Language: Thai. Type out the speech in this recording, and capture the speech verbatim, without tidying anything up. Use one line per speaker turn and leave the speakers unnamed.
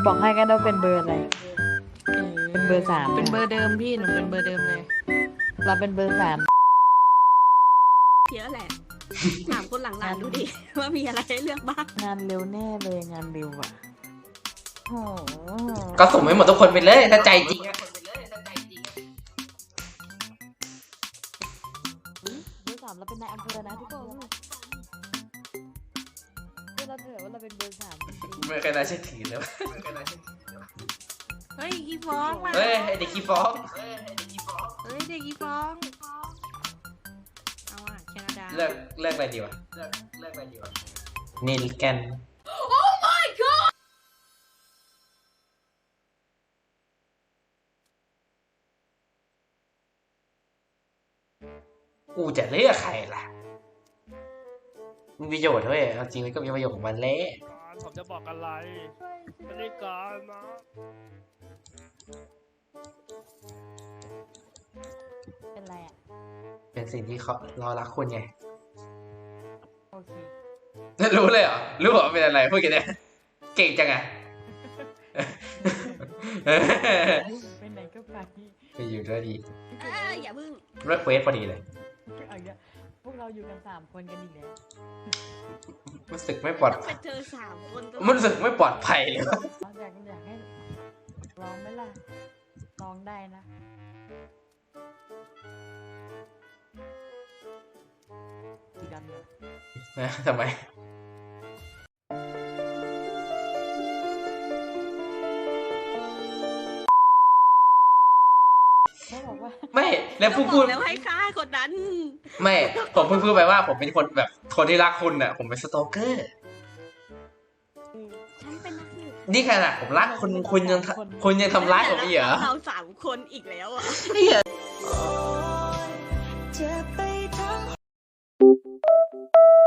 บอกให้กันว่าเป็นเบอร์อะไรเป็นเบอร์สาม
เป็นเบอร์เดิมพี่หนูเป็นเบอร์เดิมเลย
เราเป็นเบอร์สาม
เยอะแหละ ถามคนหลังๆดูดิ ว่ามีอะไรให้เลือกบ้าง
งานเร็วแน่เลยงานเร็วอ่ะโอ้โห
ก็ส่งให้หมดทุกคนไปเลยถ้าใจจริงอะ
เบอร์สามเราเป็นนายอำเภอนะทุกคนเพื่อเราเถอะว่าเราเป็นเบอร์สามจริง
ไม่เคยน่าเชื่อถือเลยวะ
เฮ้ยอีฟ้องมา
เฮ้ยไอ้เด็กขี้ฟ้อง
เฮ้ยเด็กอีฟ้องเอาอ่ะแคนาดา
เลิกเลิกอะไรดีวะเลิกเลิกอะไรดีวะนิลแกน กูจะเลือกใครล่ะมีประโยชน์ด้วยเอาจริงมันก็มีประโยชน์ของมันแหละ
ผมจะบอกอะไรไม่ได้การนะ
ๆเป็นไรอ่ะ
เป็นสิ่งที่เขาเรารักคุณไง
โอเค
รู้เลยเหรอรู้เหรอเป็นอะไรพูดกันเนี่ยเก่งจังอะ
ไปไหนก็ไป
ไปอยู่ด้วยดี
เอออย่าพึ่ง
เลิกเควสพอดีเลย
เอาอีกแล้วพวกเราอยู่กันสามคนกันอีกแล้ว
รู้สึกไม่ปลอด
ต้องเป็นเธอสามคนก็
มันรู้สึกไม่ปลอดภัยเลย
เราอยากอยากให้ร้องไหมล่ะร้องได้นะสีดำเลย
นะทำไม
เขาบอกว่า
ไม่แล้วพูด
ก็บ
พู
อ
ด
กแล้วให้ฆ่าคนนั้น
ไม่ผมเพิ่งพูดไปว่าผมเป็นคนแบบคนที่รักคุณน่ะผมเป็นสโตเกอร์
ฉันเป็นนักสืบ
นี่ขนาดผมรักคุณคุณยังคุณยังทำร้ายผมอีกเหรอ
เราสามคนอีกแล้วอ่ะ
เหี้ย